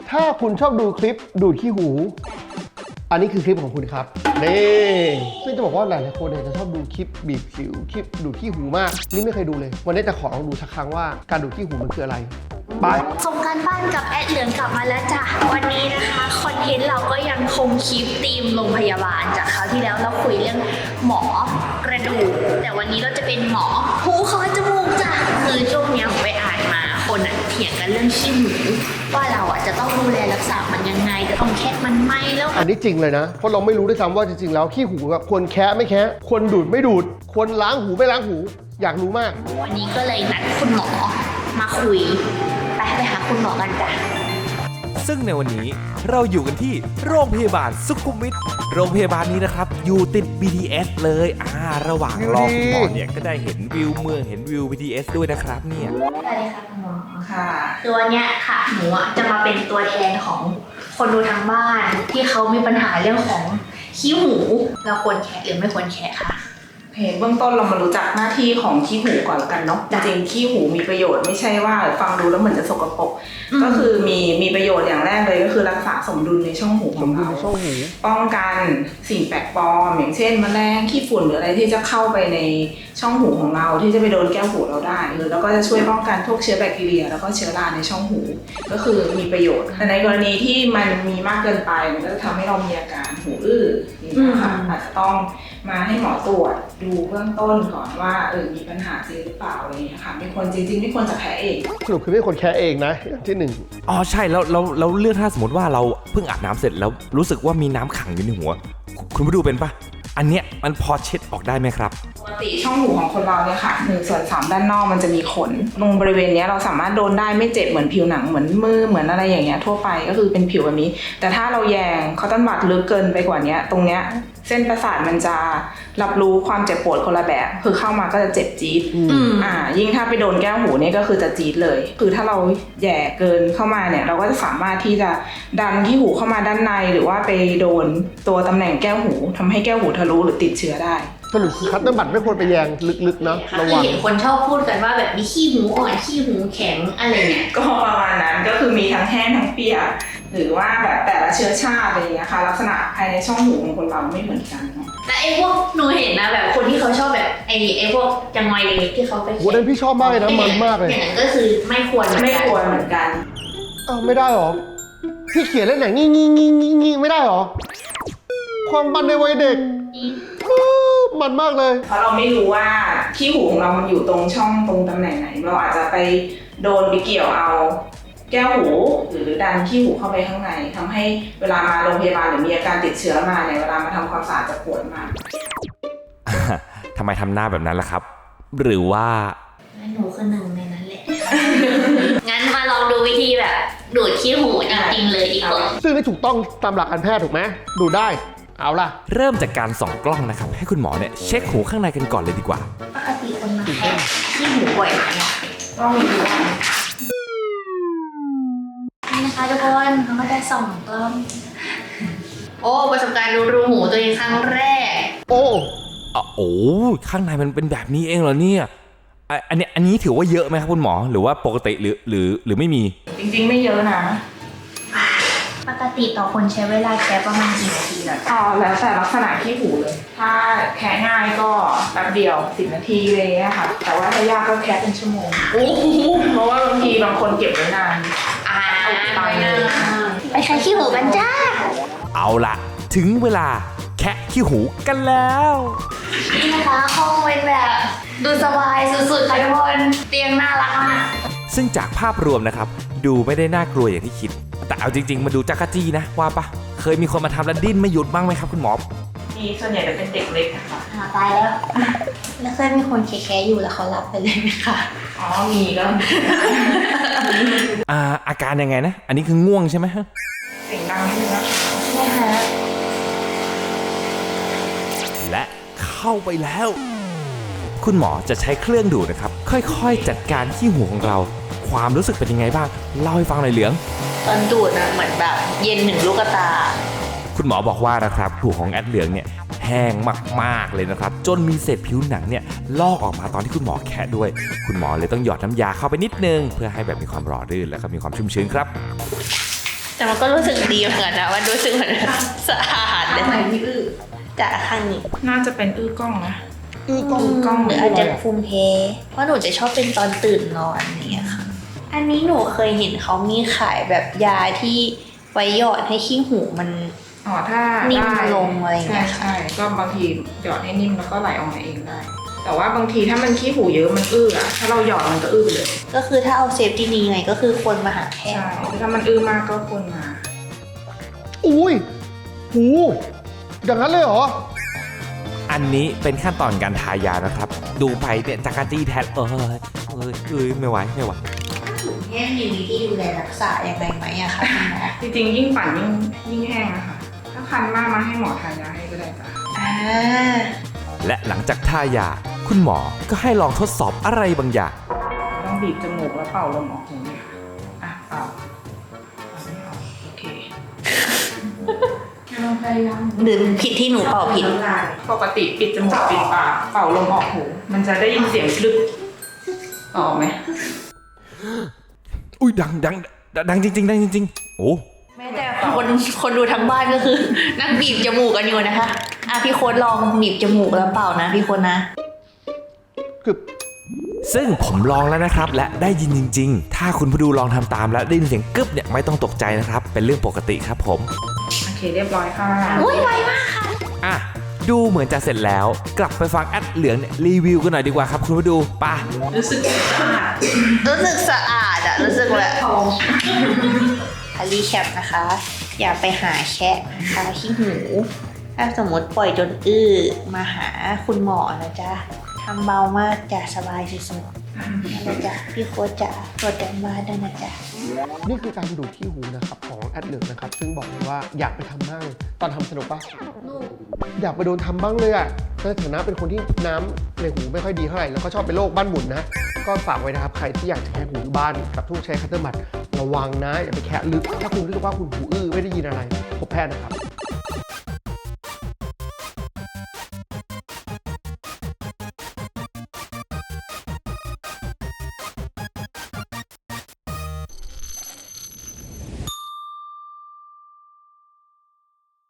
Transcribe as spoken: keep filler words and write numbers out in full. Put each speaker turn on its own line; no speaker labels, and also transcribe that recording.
ถ้าคุณชอบดูคลิปดูดขี้หูอันนี้คือคลิปของคุณครับนี่ซึ่งจะบอกว่าหลายๆคนเนี่ยจะชอบดูคลิปบีบสิวคลิปดูดขี้หูมากนี่ไม่เคยดูเลยวันนี้จะขอลองดูสักครั้งว่าการดูดขี้หูมันคืออะไรไป
ส่งการบ้านกับแอดเหลืองกลับมาแล้วจ้ะวันนี้นะคะคอนเทนต์เราก็ยังคงคลิปธีมโรงพยาบาลจากคราวที่แล้วเราคุยเรื่องหมอกระดูกแต่วันนี้เราจะเป็นหมอหูคอจมูกจ้ะคือช่วงนี้ผมไปอ่านมาคนอ่ะเถียงกันเรื่องขี้หูว่าเราอ่ะจะต้องดูแลรักษามันยังไงจะต้องแคะมันไหมแล้ว
อันนี้จริงเลยนะเพราะเราไม่รู้ด้วยซ้ำว่าจริงๆแล้วขี้หูควรแคะไม่แคะควรดูดไม่ดูดควรล้างหูไม่ล้างหูอยากรู้มาก
วันนี้ก็เลยนัดคุณหมอมาคุยไปไปหาคุณหมอกันจ้ะ
ซึ่งในวันนี้เราอยู่กันที่โรงพยาบาลสุขุมวิทโรงพยาบาลนี้นะครับอยู่ติด บี ที เอส เลยอ่าระหว่างรอคุณหมอเนี่ยก็ได้เห็นวิวเมืองเห็นวิว บี ที เอส ด้วยนะครับเนี่ย
สวัสดีค่ะคุณหมอ
ค่ะ
คือวันนี้ค่ะหนูจะมาเป็นตัวแทนของคนดูทางบ้านที่เขามีปัญหาเรื่องของขี้หูเราควรแคะหรือไม่ควรแคะค่ะ
เห็นเบื้องต้นเรามารู้จักหน้าที่ของขี้หูก่อนแล้วกันเนาะจริงๆขี้หูมีประโยชน์ไม่ใช่ว่าฟังดูแล้วเหมือนจะสกปรกก็คือมีมีประโยชน์อย่างแรกเลยก็คือรักษาสมดุลในช่องหูของเราป้องกันสิ่งแปลกปลอมอย่างเช่นแมลงขี้ฝุ่นหรืออะไรที่จะเข้าไปในช่องหูของเราที่จะไปโดนแก้วหูเราได้หรือแล้วก็จะช่วยป้องกันพวกเชื้อแบคทีเรียแล้วก็เชื้อราในช่องหูก็คือมีประโยชน์แต่ในกรณีที่มันมีมากเกินไปมันก็จะทำให้เรามีอาการหูอื้อนะคะอาจจะต้องมาให้หมอตรวจดูเบื้องต้นก่อนว่าเออมีปัญหาจริงหรือเปล่าอะไรอย่างเงี้ยค่ะไม่ควรจริงๆไม่ควรจะแพ้เอง
สรุปคือไม่ควรแคะเองนะที่หนึ่ง
อ๋อใช่แล้วแล้วแล้วเรื่องถ้าสมมติว่าเราเพิ่งอาบน้ำเสร็จแล้วรู้สึกว่ามีน้ำขังอยู่ในหัวคุณไปดูเป็นปะอันเนี้ยมันพอเช็ดออกได้ไหมครับ
ปกติช่องหูของคนเราเนี่ยค่ะหนึ่งส่วนสามด้านนอกมันจะมีขนตรงบริเวณนี้เราสามารถโดนได้ไม่เจ็บเหมือนผิวหนังเหมือนมือเหมือนอะไรอย่างเงี้ยทั่วไปก็คือเป็นผิวแบบนี้แต่ถ้าเราแยงคอตตอนบัดลึกเกินไปกว่านี้ตรงเนี้ยเส้นประสาทมันจะรับรู้ความเจ็บปวดคนละแบบคือเข้ามาก็จะเจ็บจี๊ดอ่ายิ่งถ้าไปโดนแก้วหูนี่ก็คือจะจี๊ดเลยคือถ้าเราแย่เกินเข้ามาเนี่ยเราก็จะสามารถที่จะดันที่หูเข้ามาด้านในหรือว่าไปโดนตัวตำแหน่งแก้วหูทำให้แก้วหูทะลุหรือติดเชื้อได้
สรุปคือคัตเตอร์บัตไม่ควรไปแยงลึกๆนะระวัง
เห็นคนชอบพูดกันว่าแบบมีขี้หูอ่อนขี้หูแข็งอะไรเนี่ย
ก็ประมาณนั้นก็คือมีทั้งแห้งทั้งเปียกหรือว่าแบบแต่ละเชื้อชาติอะไรอย่างเงี้ยค่ะลักษณะภายในช่องหูของคนเราไม่เหมือนกันเนาะ
และไอ้พวกหนูเห็นนะแบบคนที่เขาชอบแบบไอ้ไอ้พวกจังไงเล็กที่เขาไป
วันนั้นพี่ชอบมากเลยนะมันมากเลย
อย่างนั้นก็คือไม่ควร
ไม่ควรเหมือนกัน
อ้าวไม่ได้หรอพี่เขียนเล่นไหนงี้งี้งี้งี้งี้ไม่ได้หรอความบันในวัยเด็กมันมากเลย
เพราะเราไม่รู้ว่าขี้หูของเรามันอยู่ตรงช่องตรงตำแหน่งไหนเราอาจจะไปโดนไปเกี่ยวเอาแก้วหูหรือดันขี้หูเข้าไปข้างในทำให้เวลามาโรงพยาบาลหรือมีอาการติดเชื้อมาเนี่ยเวลามาทำความสะอาดจะปวดมาก
ทำไมทำหน้าแบบนั้นล่ะครับหรือว่า
หนูคือหนึ่งในนั้นแหละ งั้นมาลองดูวิธีแบบดูดขี้หูจริงๆเลยดีกว่า
ซึ่งนี่ถูกต้องตามหลักการแพทย์ถูกไหมดูได้เอาล่ะ
เริ่มจากการส่องกล้องนะครับให้คุณหมอเนี่ยเช็คหูข้างในกันก่อนเลยดีกว่า
ปกติคนมาแคะขี้หูบ่อยไหมต้องมีดูนี่นะคะทุกคนเขาก็ได้ส่องกล้องโอ้ประสบการณ์ดูรูหูตัวเองครั้งแรก
โอ้
โอ้ข้างในมันเป็นแบบนี้เองเหรอเนี่ยอันนี้อันนี้ถือว่าเยอะไหมครับคุณหมอหรือว่าปกติหรือหรือหรือไม่มี
จริงๆไม่เยอะนะ
ปกติต่อคนใช้เวลาแค่ประมาณกี่นาทีล่ะ
อ๋อแล้วแต่ลักษณะขี้หูเลยถ้าแค่ง่ายก็แป๊บเดียวสิบนาทีเลยนะคะแต่ว่าถ้ายากก็แค่เป็นชั่วโมงโอ้เพราะว่าบางทีบางคนเก็บไว้นาน
อ่าไปไปใช้ขี้หูกันจ้า
เอาล่ะถึงเวลาแคะขี้หูกันแล้ว
นี่นะคะห้องเป็นแบบดูสบายสุดๆค่ะทุกคนเตียงน่ารักมาก
ซึ่งจากภาพรวมนะครับดูไม่ได้น่ากลัวอย่างที่คิดแต่เอาจริงๆมาดูจักรจี้นะว่าปะเคยมีคนมาทำแล้วดิ้นไม่หยุดบ้างไหมครับคุณหมอ
มีส่วนใหญ่จะเป็นเด็กเล็กนะคะ
อ่าตายแล้วแล้วเคยมีคนแคะๆอยู่แล้วเขาหลับไปเลยไหมคะ
อ๋อมีก็
อ่าอาการยังไงนะอันนี้คือง่วงใช่ไหม
เสียงดังขึ้นนะ
ใช่ฮะ
และเข้าไปแล้วคุณหมอจะใช้เครื่องดูดนะครับค่อยๆจัดการขี้หูของเราความรู้สึกเป็นยังไงบ้างเล่าให้ฟังหน่อยเหลือง
ตอนดูดนะเหมือนแบบเย็นหนึ่งลูกตา
คุณหมอบอกว่านะครับหูของแอดเหลืองเนี่ยแห้งมากๆเลยนะครับจนมีเศษผิวหนังเนี่ยลอกออกมาตอนที่คุณหมอแคะด้วยคุณหมอเลยต้องหยอดน้ำยาเข้าไปนิดนึงเพื่อให้แบบมีความหล่อลื่นและก็มีความชุ่มชื้นครับ
แต่มันก็รู้สึกดีเหมือนกันนะมันรู้สึกเหมือนสะอาดเลย
ไหนที่อื้อ
จากข้างนี้
น่าจะเป็นอื้อกล้องนะ
อือกล้อง
กล้อง
หรืออาจจะภูมิเพเพราะหนูจะชอบเป็นตอนตื่นนอนเนี่ยค่ะ อันนี้หนูเคยเห็นเขามีขายแบบยาที่ไว้หยอดให้ขี้หูมัน
อ๋อถ้า
นิ่ม
ได้
ลงอะไรอย่างเงี้
ใช่
ย
ใช่ก็บางทีหยอดให้นิ่มแล้วก็ไหลออกมาเองได้ แต่ว่าบางทีถ้ามันขี้หูเยอะมันอื้ออะถ้าเราหยอดมันก็อื้อไปเลย
ก็คือถ้าเอาเซฟที่ดีไงก็คือควรมาหาแพท
ใช่
ย์
ถ้ามันอื้อมากก็ควรมา
อุ้ยหูอย่างนั้นเลยเหรอ
อันนี้เป็นขั้นตอนการทายานะครับ ดูไปเนี่ยจักรจี้แทนเออเอ้ยเอ้ยไม่ไหวไม่ไหว
แห้งมีวิธีดูแลรักษาอย่างไรไหมอะคะคุณหมอ
จริงๆยิ่งปั่นยิ่งยิ่งแห้งนะคะถ้าคันมากมาให้หมอทานยาให้ก็ได้จ้ะ
อ่า
และหลังจากทายา คุณหมอก็ให้ลองทดสอบอะไรบางอย่าง
ต้องบีบจมูกแล้วเป่าลมออกหูเนี่ยค่ะอ่ะเป่าเป่าไม่ออกโอเคลองพยายาม
หรือผิดที่หนูเป่าผิด
ปกติปิดจมูกปิดปากเป่าลมออกหูมันจะได้ยินเสียงคลึกออกไหม
อุ้ยดังดังดังจริงๆดังจริงๆโอ้
แม้แต่คนคนดูทั้งบ้านก็คือ นั่งบีบจมูกกันอยู่นะคะ อ่ะพี่โค้ดลองบีบจมูกแล้วเป่านะพี่โค้ดนะ
คือ
ซึ่งผมลองแล้วนะครับ และได้ยินจริง ๆ ถ้าคุณผู้ดูลองทำตามแล้วได้ยินเสียงกึบเนี่ยไม่ต้องตกใจนะครับ เป็นเรื่องปกติครับผม
โอเคเรียบร้อยค่ะ
อุ้ยไวมากค่ะ
อ่ะดูเหมือนจะเสร็จแล้ว กลับไปฟังแอดเหลืองเนี่ยรีวิวกันหน่อยดีกว่าครับคุณผู้ดูไป่ะ
รู้สึกสะอาด
รู้สึกสะอาดอะรู้สึกแบบคารีแคปนะคะ อย่าไปหาแคะนะคะขี้หู ถ้าสมมติปล่อยจนอื้อมาหาคุณหมอนะจ๊ะทำเบามากจะสบายสุดๆนั่นแหละจ๊ะพี่โค้ชจ๋าตรวจกันบ้านด้วยนะจ๊ะ
นี่คือการดูดที่หูนะครับของแอดเหลืองนะครับ ซึ่งบอกเลยว่าอยากไปทำบ้างตอนทำสนุกปะอยากไปโดนทำบ้างเลยอ่ะในฐานะเป็นคนที่น้ำในหูไม่ค่อยดีเท่าไหร่แล้วก็ชอบเป็นโรคบ้านหมุนนะ ก็ฝากไว้นะครับใครที่อยากจะแคะหูอยู่บ้านกับทุกใช้คัตเตอร์บัตระวังนะอย่าไปแคะลึกถ้าคุณรู้สึกว่าคุณหูอื้อไม่ได้ยินอะไรพบแพทย์นะครับ